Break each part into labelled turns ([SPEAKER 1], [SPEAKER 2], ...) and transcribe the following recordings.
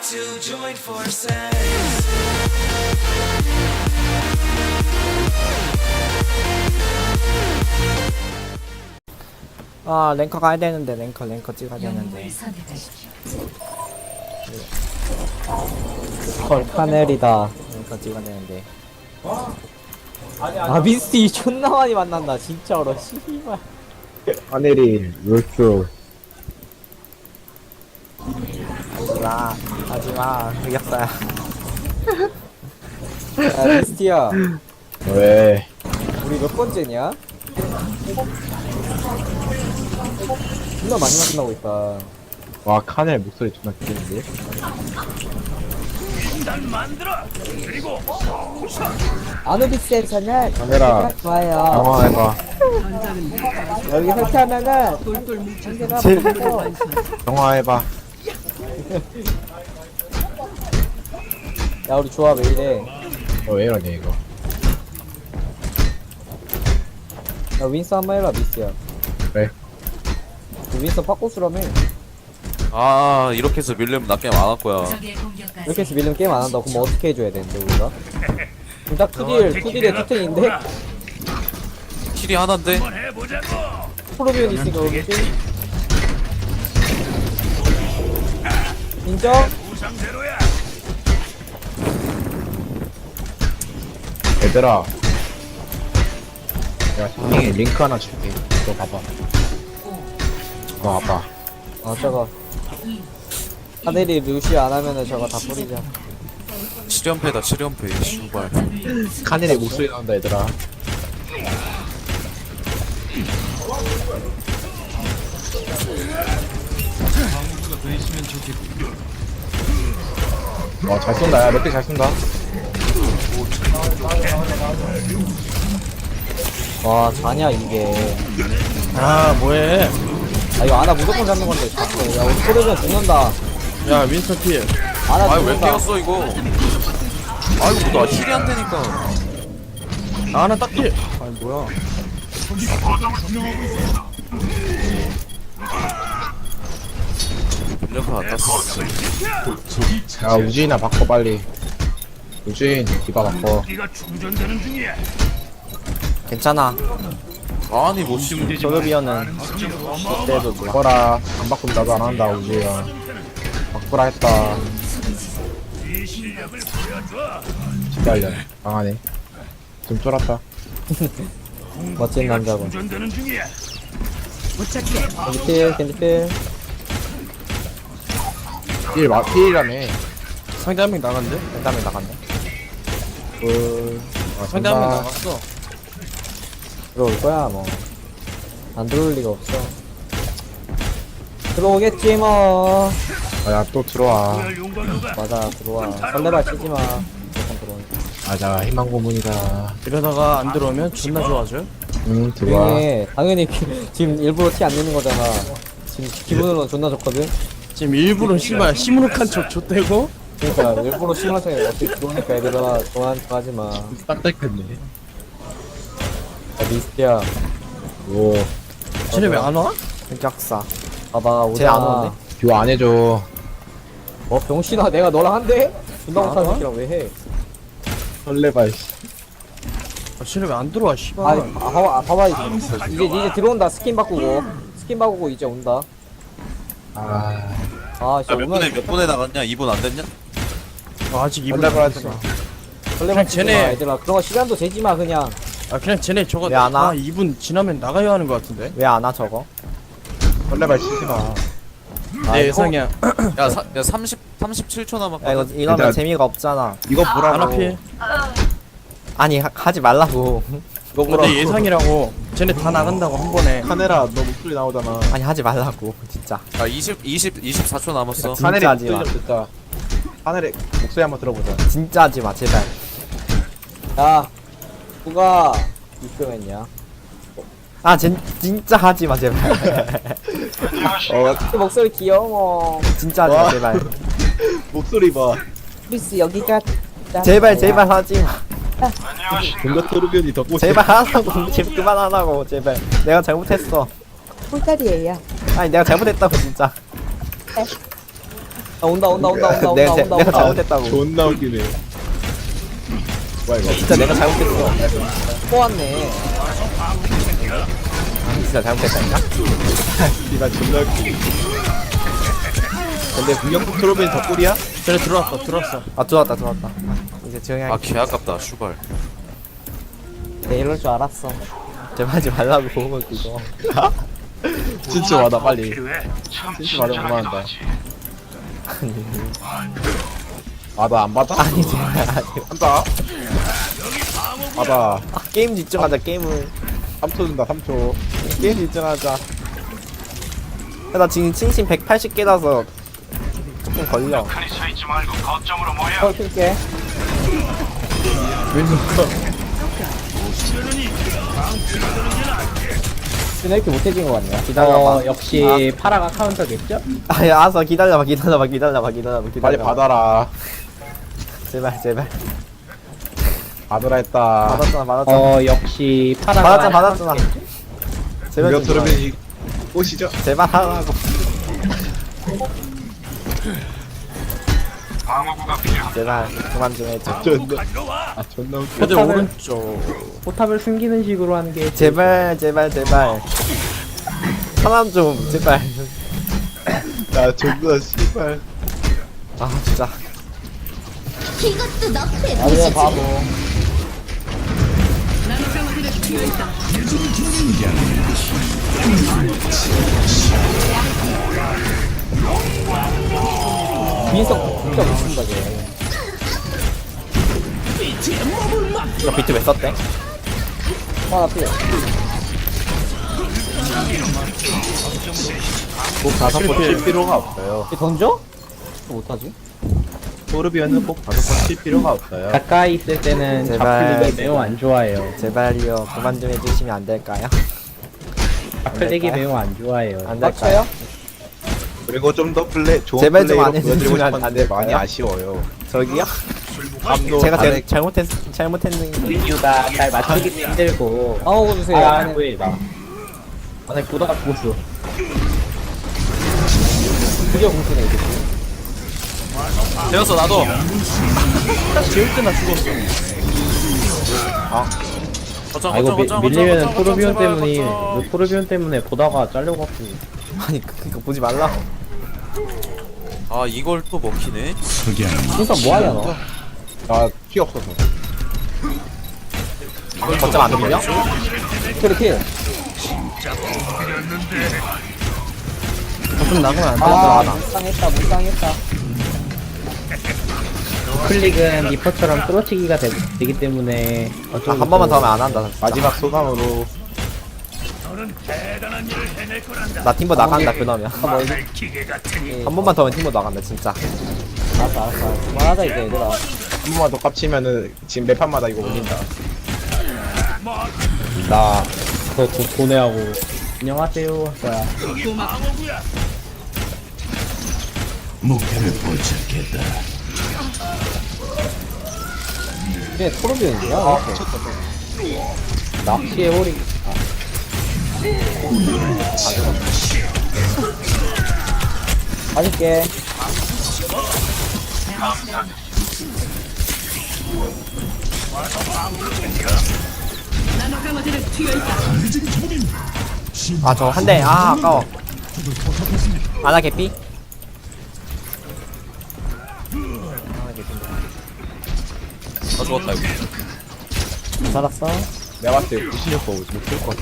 [SPEAKER 1] to join forces.
[SPEAKER 2] 아 랭커 가야 되는데 랭커 찍어야 되는데. 헐 카넬이다. 랭커 찍어야 되는데. 아 미스티 존나 많이 만난다 진짜로 씨발.
[SPEAKER 3] 하늘이 룰수
[SPEAKER 2] 하지마 하지마 흑역사야. 야 미스티야
[SPEAKER 3] 왜?
[SPEAKER 2] 우리 몇 번째냐? 존나 많이 만나고 있다.
[SPEAKER 3] 와 카넬 목소리 존나 귀여운데?
[SPEAKER 2] 아누비스에서는
[SPEAKER 3] 카넬아
[SPEAKER 2] 좋아요.
[SPEAKER 3] 영화해봐.
[SPEAKER 2] 여기 설치하면은 상대가 보고
[SPEAKER 3] 영화해봐.
[SPEAKER 2] 야 우리 조합 왜 이래?
[SPEAKER 3] 왜 이러냐 이거.
[SPEAKER 2] 야 윈스 한번 해봐 미스야.
[SPEAKER 3] 그래.
[SPEAKER 2] 윈스 팝고수라며.
[SPEAKER 4] 아 이렇게 해서 밀려면 나 게임 안 할 거야.
[SPEAKER 2] 이렇게 해서 밀리면 게임 안 한다. 그럼 어떻게 해줘야 되는데 우리가? 지금 딱 2딜에 2탱인데?
[SPEAKER 4] 킬이 하나인데?
[SPEAKER 2] 프로비온 있으니까 그렇지? 인정?
[SPEAKER 3] 얘들아 내가 형이 링크 하나 줄게. 이거 봐봐. 이거 봐봐.
[SPEAKER 2] 저거 하늘이 루시 안 하면은 저거 다 뿌리자.
[SPEAKER 4] 7연패다 7연패 슈발.
[SPEAKER 3] 카넬의 목소리 나온다 얘들아. 잘 쏜다. 야, 몇 개 잘 쏜다.
[SPEAKER 2] 와 자냐 이게.
[SPEAKER 5] 아 뭐해?
[SPEAKER 2] 아 이거 아나 무조건 잡는 건데 자꾸. 야 우리 프로비온 죽는다.
[SPEAKER 5] 야 윈스턴 필.
[SPEAKER 2] 아나
[SPEAKER 4] 아이 왜
[SPEAKER 2] 죽는다.
[SPEAKER 4] 깨웠어 이거? 아이고 나 킬이 안 되니까.
[SPEAKER 5] 나 하나 딱 필. 아니 뭐야?
[SPEAKER 4] 밀려서 안 땄어.
[SPEAKER 3] 야, 우주인아 바꿔 빨리. 우주인 디바 바꿔.
[SPEAKER 2] 괜찮아.
[SPEAKER 4] 아니 못 심.
[SPEAKER 2] 소르비언은 그때도 뭐.
[SPEAKER 3] 바꿔라. 안 바꾸면 나도 안 한다 우주야. 바꾸라 했다. 기다려. 강하네. 좀 쫄았다.
[SPEAKER 2] 멋진 남자군. 겐지필 겐지필.
[SPEAKER 3] 필이라며.
[SPEAKER 5] 상대 한 명 나간대?
[SPEAKER 2] 벤다민 나갔네.
[SPEAKER 5] 상대 한 명 나갔어.
[SPEAKER 2] 들어올 거야 뭐. 안 들어올 리가 없어. 들어오겠지 뭐.
[SPEAKER 3] 야, 또 들어와.
[SPEAKER 2] 맞아 들어와. 설레발 치지 마. 무조건 들어오니까.
[SPEAKER 3] 맞아, 희망 고문이다.
[SPEAKER 5] 이러다가 안 들어오면 존나 좋아져.
[SPEAKER 3] 응, 들어와.
[SPEAKER 2] 당연히 지금 일부러 티 안 내는 거잖아. 지금 기분으로 존나 좋거든.
[SPEAKER 5] 지금 일부러 씨발 시무룩한 척 줬대고.
[SPEAKER 2] 그러니까 일부러 심하게 어떻게 들어오니까 얘들아 좋아하는 척 하지 마.
[SPEAKER 3] 딱딱했네.
[SPEAKER 2] 야 미스티야.
[SPEAKER 3] 오,
[SPEAKER 5] 쟤네 왜 안 와?
[SPEAKER 2] 흑역사. 봐봐 오자. 안 오는데?
[SPEAKER 3] 듀오 안 해줘.
[SPEAKER 2] 병신아 내가 너랑 한대? 존나 못하는 새끼랑 왜 해?
[SPEAKER 3] 설레발.
[SPEAKER 5] 아, 쟤네 왜 안 들어와 씨발.
[SPEAKER 2] 봐봐 이제 들어온다. 스킨 바꾸고 이제 온다. 아 진짜
[SPEAKER 4] 몇 분에 나갔냐? 2분 안 됐냐?
[SPEAKER 5] 아직 이분
[SPEAKER 3] 설레발
[SPEAKER 5] 안
[SPEAKER 3] 하지
[SPEAKER 5] 됐어.
[SPEAKER 3] 마.
[SPEAKER 2] 설레발
[SPEAKER 5] 쟤네-
[SPEAKER 2] 치지 마 얘들아. 그런 거 시간도 재지 마 그냥.
[SPEAKER 5] 아 그냥 쟤네 저거
[SPEAKER 2] 왜안 와?
[SPEAKER 5] 2분 지나면 나가야 하는 거 같은데.
[SPEAKER 2] 왜 안 와 저거?
[SPEAKER 3] 설레발 치지 마.
[SPEAKER 5] 내 예상이야.
[SPEAKER 4] 야 37초
[SPEAKER 2] 야
[SPEAKER 4] 남았거든.
[SPEAKER 2] 이거면
[SPEAKER 3] 얘들아,
[SPEAKER 2] 재미가 없잖아.
[SPEAKER 3] 이거 보라고.
[SPEAKER 5] 하나 필.
[SPEAKER 2] 아니 하지 말라고. 이거 보라고.
[SPEAKER 5] 내 예상이라고. 쟤네 다 나간다고 한 번에.
[SPEAKER 3] 카네라, 너 목소리 나오잖아.
[SPEAKER 2] 아니 하지 말라고 진짜.
[SPEAKER 4] 야 24초 남았어.
[SPEAKER 2] 진짜
[SPEAKER 3] 카넬의
[SPEAKER 2] 하지
[SPEAKER 3] 목소리
[SPEAKER 2] 마.
[SPEAKER 3] 좀 듣자. 카넬의 목소리 한번 들어보자.
[SPEAKER 2] 진짜 하지 마 제발. 야 누가 입금했냐? 아 진짜 하지 마 제발. 목소리 귀여워. 진짜 하지 마
[SPEAKER 3] 와.
[SPEAKER 2] 제발.
[SPEAKER 3] 목소리 봐.
[SPEAKER 2] 미스 여기가 제발 하지 마.
[SPEAKER 3] 뭔가 토르변이 더 꼬시.
[SPEAKER 2] 제발 하라고. 제발 그만하라고 제발. 내가 잘못했어.
[SPEAKER 6] 꿀다리예요.
[SPEAKER 2] 아니 내가 잘못했다고 진짜. 온다
[SPEAKER 3] 내가
[SPEAKER 2] 온다.
[SPEAKER 3] 잘못했다고. 존나 웃기네. 뭐야 이거?
[SPEAKER 2] 진짜 내가 잘못했어. 또 왔네. 진짜 잘못했다니까?
[SPEAKER 3] 이가 존나 웃기네. 근데 공격국 트로빈 덕꿀이야?
[SPEAKER 5] 쟤네 들어왔어.
[SPEAKER 2] 아 들어왔다. 이제 조용히
[SPEAKER 4] 아
[SPEAKER 2] 할게.
[SPEAKER 4] 개 아깝다 슈발.
[SPEAKER 2] 네, 이럴 줄 알았어. 제발 하지 말라고 그거.
[SPEAKER 3] 진짜 와다 빨리. 진짜 와다 그만한다. 아 나 안 받아?
[SPEAKER 2] 아니 제발 아니.
[SPEAKER 3] 한다. 받아.
[SPEAKER 2] 아, 게임 집중하자 게임을.
[SPEAKER 3] 3초 준다 3초.
[SPEAKER 2] 게임 집중하자. 야, 나 지금 친신 180개라서 조금 걸려. 헐 킬게. 근데 이렇게 못해진 것 같냐? 기다려봐.
[SPEAKER 1] 역시 파라가 카운터겠죠?
[SPEAKER 2] 아야 알았어 기다려봐.
[SPEAKER 3] 빨리 받아라.
[SPEAKER 2] 제발.
[SPEAKER 3] 받으라 했다.
[SPEAKER 2] 받았잖아.
[SPEAKER 1] 역시 파라가
[SPEAKER 2] 받았잖아. 제발
[SPEAKER 3] 공격
[SPEAKER 2] 좀 좋아해.
[SPEAKER 3] 트로빈 오시죠.
[SPEAKER 2] 제발 하라고. 제발 그만 좀 해줘.
[SPEAKER 3] 존나 웃겨.
[SPEAKER 5] 근데
[SPEAKER 1] 포탑을-
[SPEAKER 5] 오른쪽.
[SPEAKER 1] 포탑을 숨기는 식으로 하는 게
[SPEAKER 2] 제발. 사람 좀 제발.
[SPEAKER 3] 야 존나 씨발.
[SPEAKER 2] 아 진짜.
[SPEAKER 6] 이것도 너프의
[SPEAKER 2] 아니야 바보. 민석 진짜 못쓴다 쟤. 이거 비트 왜 썼대? 나 필요.
[SPEAKER 3] 꼭 5번 칠 필요가 없어요.
[SPEAKER 2] 이 던져? 못하지?
[SPEAKER 3] 토르비언은 꼭 5번 칠 필요가 없어요.
[SPEAKER 1] 가까이 있을 때는
[SPEAKER 2] 제발.
[SPEAKER 1] 좌클릭이 매우 안 좋아해요.
[SPEAKER 2] 제발요 그만 좀 해주시면 안 될까요?
[SPEAKER 1] 좌클릭이
[SPEAKER 2] 될까요?
[SPEAKER 1] 매우 안 좋아해요.
[SPEAKER 2] 안 될까요?
[SPEAKER 3] 그리고 좀 더 좋은
[SPEAKER 2] 제발 좀안
[SPEAKER 3] 플레이로 보여드리고
[SPEAKER 2] 해주시면 안
[SPEAKER 3] 싶었는데 많이
[SPEAKER 2] 될까요?
[SPEAKER 3] 아쉬워요.
[SPEAKER 2] 저기요?
[SPEAKER 3] 감도
[SPEAKER 2] 제가
[SPEAKER 3] 다들
[SPEAKER 2] 잘못했는
[SPEAKER 1] 리뷰가 잘 맞추기 힘들고
[SPEAKER 2] 아우 주세요.
[SPEAKER 1] 왜 나. 아니 보다가 죽었어.
[SPEAKER 2] 드디어 공수네 이게.
[SPEAKER 4] 되었어 나도.
[SPEAKER 5] 딱 재울 때나 죽었어.
[SPEAKER 4] 거점
[SPEAKER 1] 아 이거 밀리면은
[SPEAKER 4] 거점,
[SPEAKER 1] 토르비온
[SPEAKER 4] 제발,
[SPEAKER 1] 때문에
[SPEAKER 4] 거점.
[SPEAKER 1] 이거 토르비온 때문에 보다가 잘려갖고
[SPEAKER 2] 아니 그니까 보지 말라고.
[SPEAKER 4] 아 이걸 또 먹히네.
[SPEAKER 2] 진짜 뭐하냐 너?
[SPEAKER 3] 나피 없어서.
[SPEAKER 2] 거점 안 밀려? 킬.
[SPEAKER 5] 좀 나가면 안 돼.
[SPEAKER 2] 아 묵상했다.
[SPEAKER 1] 클릭은 리퍼처럼 뚫어치기가 되기 때문에
[SPEAKER 2] 한 번만 더 하면 안 한다. 진짜.
[SPEAKER 3] 마지막 소감으로
[SPEAKER 2] 나 팀버 나간다 그러면. 한 번만 더 하면 팀버 나간다 진짜. 알았어. 그만하자 이제 얘들아.
[SPEAKER 3] 한 번만 더 깝치면은 지금 매 판마다 이거 올린다. 나
[SPEAKER 1] 더 보내하고 안녕하세요 할 거야.
[SPEAKER 2] 이게 토르비언이야?
[SPEAKER 1] 낚시의 홀이
[SPEAKER 2] 맛있게. 아 저 한 대. 아 아까워. 아나 개피?
[SPEAKER 4] 아 죽었다 이거.
[SPEAKER 2] 살았어.
[SPEAKER 3] 내가 봤을 때 96% 못쓸것 같아.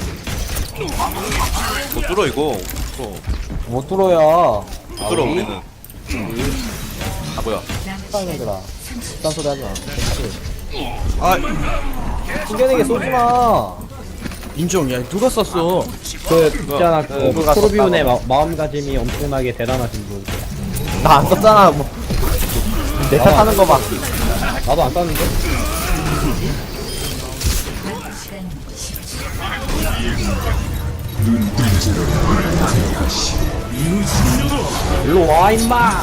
[SPEAKER 4] 못 뚫어 이거.
[SPEAKER 2] 못 뚫어요.
[SPEAKER 4] 못 뚫어 우리는. 아 뭐야.
[SPEAKER 2] 땅이들아. 딴 소리 하지 마.
[SPEAKER 4] 아
[SPEAKER 2] 숨겨내게 쏘지 마.
[SPEAKER 5] 인정. 야 누가 썼어?
[SPEAKER 1] 그 있잖아 그
[SPEAKER 2] 누가
[SPEAKER 1] 토르비온의 마음가짐이 엄청나게 대단하신 분.
[SPEAKER 2] 나 안 썼잖아 뭐. 내 탓 하는 거 봐.
[SPEAKER 1] 나도 안 땄는데. 일로 와 임마.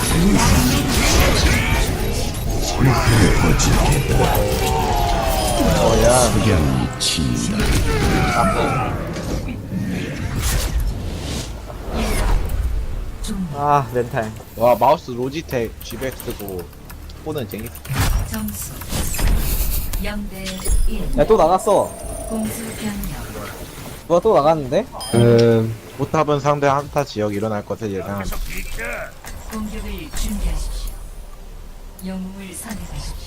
[SPEAKER 2] 아 멘탈.
[SPEAKER 3] 와 마우스 로지텍 G백 쓰고 폰은 쟁이.
[SPEAKER 6] 점수 0대 1
[SPEAKER 2] 야 또 나갔어.
[SPEAKER 6] 공수 변경
[SPEAKER 2] 누가 또 나갔는데?
[SPEAKER 3] 포탑은 상대 한타 지역 일어날 것을 예상한다.
[SPEAKER 6] 공격을 준비하십시오. 영웅을 선택하십시오.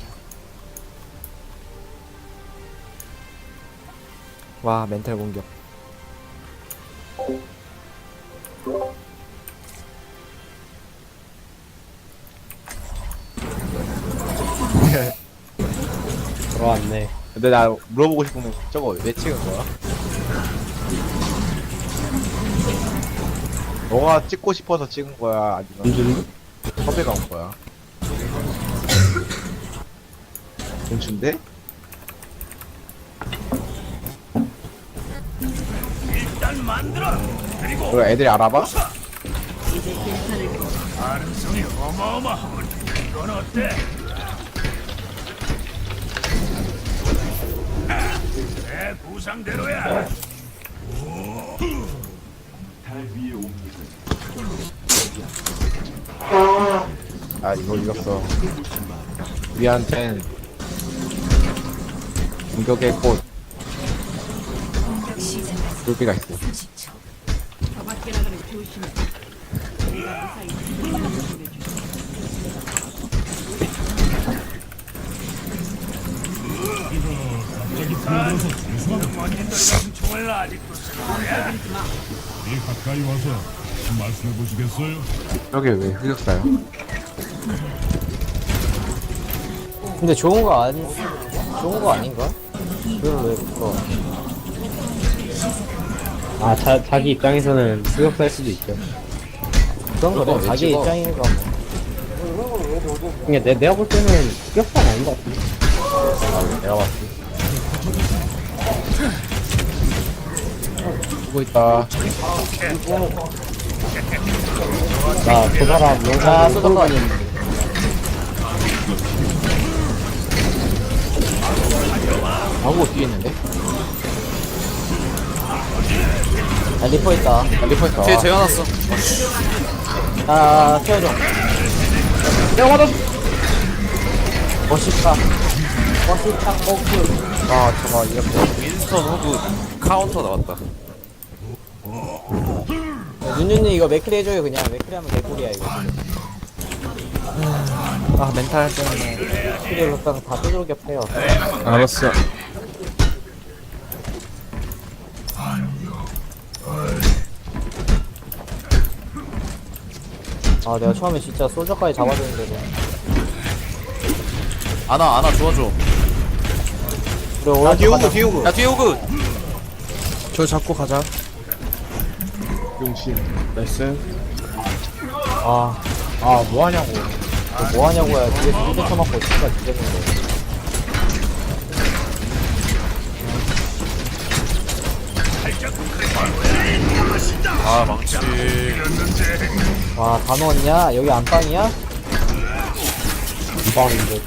[SPEAKER 2] 와 멘탈 공격.
[SPEAKER 1] 돌아왔네.
[SPEAKER 3] 근데 나 물어보고 싶은 건 저거 왜 찍은 거야? 너가 찍고 싶어서 찍은 거야? 아니면 섭외가 온 거야? 괜춘데? 그리고 애들이 알아봐? 아 이거 이겼어. 우리한텐 공격의 꽃
[SPEAKER 6] 공격 시작까지
[SPEAKER 3] 쫄비가 있어.
[SPEAKER 6] 30초.
[SPEAKER 7] 가까이 와서 말씀해 보시겠어요?
[SPEAKER 3] 저게 왜 흑역사야?
[SPEAKER 2] 근데 좋은 거 아닌가? 그걸 왜 그거?
[SPEAKER 1] 아, 자기 입장에서는 흑역사일 수도 있죠.
[SPEAKER 2] 그런 거래.
[SPEAKER 3] 왜
[SPEAKER 2] 자기
[SPEAKER 3] 찍어?
[SPEAKER 2] 입장이니까.
[SPEAKER 1] 그냥 내가 볼 때는 흑역사는 아닌 것 같은데.
[SPEAKER 3] 내가 봤지. 보고 있다.
[SPEAKER 1] 나 그 사람
[SPEAKER 2] 아
[SPEAKER 1] 영상
[SPEAKER 2] 쏟아봐.
[SPEAKER 3] 방구 뒤에 있는데?
[SPEAKER 2] 야 리퍼 있다.
[SPEAKER 3] 리퍼 있어.
[SPEAKER 4] 뒤에 재워놨어.
[SPEAKER 2] 아 태워줘. 내가 맞아. 멋있다. 멋있다. 오크.
[SPEAKER 3] 아 저거 이렇게.
[SPEAKER 4] 윈스턴 호그 카운터 나왔다.
[SPEAKER 2] 윤윤이 이거 맥크리 해줘요 그냥. 맥크리 하면 개꿀이야 이거. 아 멘탈 때문에 맥크리 록당 다 두들겨 패요.
[SPEAKER 5] 알았어.
[SPEAKER 2] 아 내가 처음에 진짜 솔저까지 잡아줬는데도.
[SPEAKER 4] 아나 도와줘.
[SPEAKER 2] 그래
[SPEAKER 3] 아
[SPEAKER 2] 오른쪽
[SPEAKER 3] 뒤에
[SPEAKER 2] 가자.
[SPEAKER 3] 오고 뒤에 오고.
[SPEAKER 4] 야 뒤에 호그.
[SPEAKER 5] 저 잡고 가자.
[SPEAKER 3] 용신.
[SPEAKER 5] 나이스.
[SPEAKER 2] 아
[SPEAKER 3] 뭐하냐고.
[SPEAKER 2] 뭐하냐고야. 뒤에서 힐 쳐맞고 진짜 뒤졌는데.
[SPEAKER 4] 아 망치.
[SPEAKER 2] 와 다 넣었냐? 여기 안방이야?
[SPEAKER 1] 빵인데.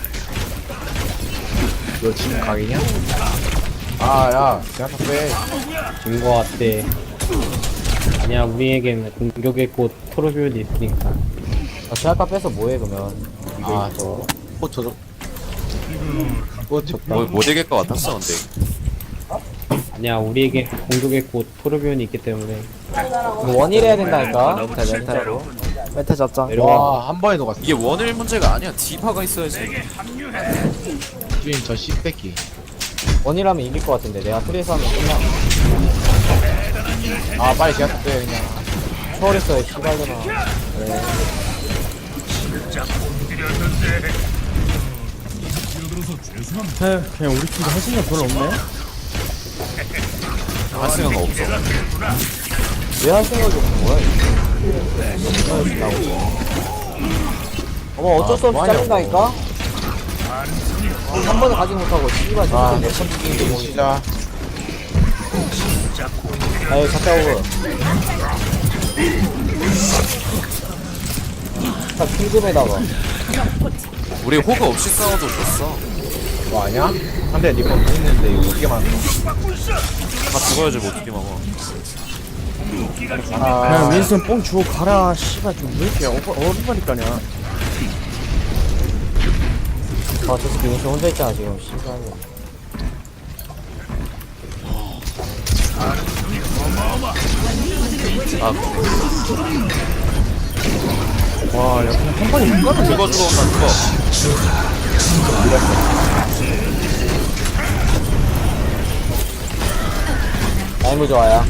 [SPEAKER 3] 너 지금 각이냐? 아야 대한타 빼.
[SPEAKER 1] 진거 같대. 아니야, 우리에겐 공격의 꽃 토르비온이 있으니까.
[SPEAKER 2] 아 제아까 빼서 뭐해 그러면.
[SPEAKER 3] 아 저거. 꽃 젖어. 꽃 젖다.
[SPEAKER 4] 못 이길 것 같았어 근데.
[SPEAKER 1] 아니야, 우리에게 공격의 꽃 토르비온이 있기 때문에.
[SPEAKER 2] 이거 원일 해야 된다니까. 멘탈로. 멘탈 잡자.
[SPEAKER 1] 내려와.
[SPEAKER 3] 와한 번에 녹았어.
[SPEAKER 4] 이게 원일 문제가 아니야. 디바가 있어야지.
[SPEAKER 3] 주인 저 씹새끼.
[SPEAKER 2] 원이라면 이길 것 같은데 내가 트레이스 하면 끝나.
[SPEAKER 3] 아 빨리 대한타 빼 그냥.
[SPEAKER 2] 초월했어요 씨발려나.
[SPEAKER 7] 뛰어들어서 죄송합니다.
[SPEAKER 5] 에휴, 그냥 우리 팀도 할 생각 별로 없네.
[SPEAKER 4] 할 생각 없어.
[SPEAKER 2] 왜 할 생각이 없는 거야? 어머 어쩔 수 없이
[SPEAKER 3] 뭐하냐고.
[SPEAKER 2] 잘린다니까? 한 번에 가지 못하고 씨발 진짜 몇번 죽이는데 뭐.
[SPEAKER 3] 시작.
[SPEAKER 2] 아유 갔다 오고. 자 킹금에다가.
[SPEAKER 4] 우리 호그 없이 싸워도 졌어.
[SPEAKER 3] 뭐 아냐? 한대 리퍼 있는데 이거 어떻게 막어?
[SPEAKER 4] 다 죽어야지 뭐 어떻게 막아.
[SPEAKER 5] 그냥 윈스턴 뽕 주고 가라 씨발 좀 왜 이렇게 어리바리까냐.
[SPEAKER 2] 저 새끼 윈스 혼자 있잖아 지금 씨발.
[SPEAKER 5] 와, 야, 그냥 한 번에 이거는
[SPEAKER 4] 죽어 온다 죽어.
[SPEAKER 2] 라이브 좋아요.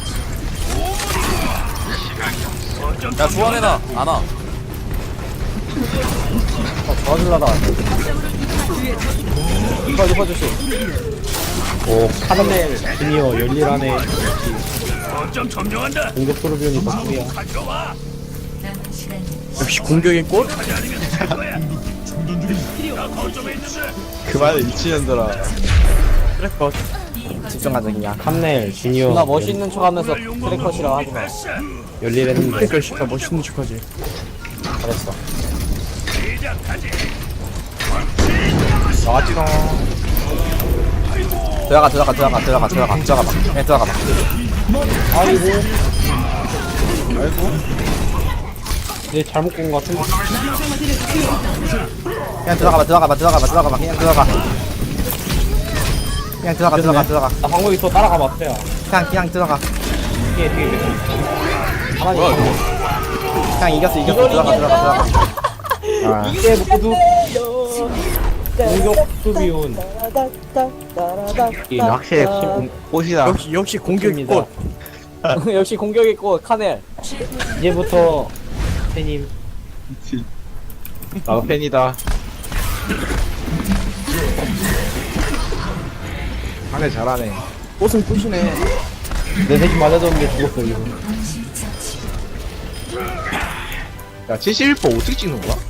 [SPEAKER 4] 야 좋아해나 안와.
[SPEAKER 2] 도와주려다 왔네. 리퍼 주시.
[SPEAKER 1] 오 카르멜 주니어 열일하네. 공격 토르비온이 덕분이야.
[SPEAKER 6] 남은 시간
[SPEAKER 5] 역시 공격의 꽃?
[SPEAKER 3] 그만해 미친년들아.
[SPEAKER 5] 트래커.
[SPEAKER 2] 집중하자 그냥.
[SPEAKER 1] 카르멜 주니어
[SPEAKER 2] 누나 멋있는 척하면서 트래커시라고 하지 마.
[SPEAKER 1] 열일했는데
[SPEAKER 5] 그러니까 씨발 멋있는 척하지.
[SPEAKER 2] 잘했어.
[SPEAKER 3] 나왔지롱.
[SPEAKER 2] 들어가. 그냥 들어가봐.
[SPEAKER 1] 이제 잘못 본 것 같은데.
[SPEAKER 2] 그냥 들어가봐. 그냥 들어가.
[SPEAKER 1] 나 방금 또 따라가 봤어요.
[SPEAKER 2] 그냥 들어가.
[SPEAKER 1] 뒤에 가만히
[SPEAKER 4] 뭐야
[SPEAKER 1] 있어.
[SPEAKER 4] 이거.
[SPEAKER 2] 그냥 이겼어. 들어가.
[SPEAKER 1] 이게 모두 공격 토르비온.
[SPEAKER 3] 이 확실히 꽃이다.
[SPEAKER 5] 역시 공격의
[SPEAKER 1] 좋습니다.
[SPEAKER 5] 꽃.
[SPEAKER 2] 역시 공격의 꽃 카넬.
[SPEAKER 1] 이제부터 팬님
[SPEAKER 3] 나도 팬이다. 하네 잘하네.
[SPEAKER 5] 꽃은 꽃이네.
[SPEAKER 1] 내 새끼 맞아줬는데 죽었어 이거.
[SPEAKER 6] 동시 처치.
[SPEAKER 3] 야 71% 어떻게 찍는 거야?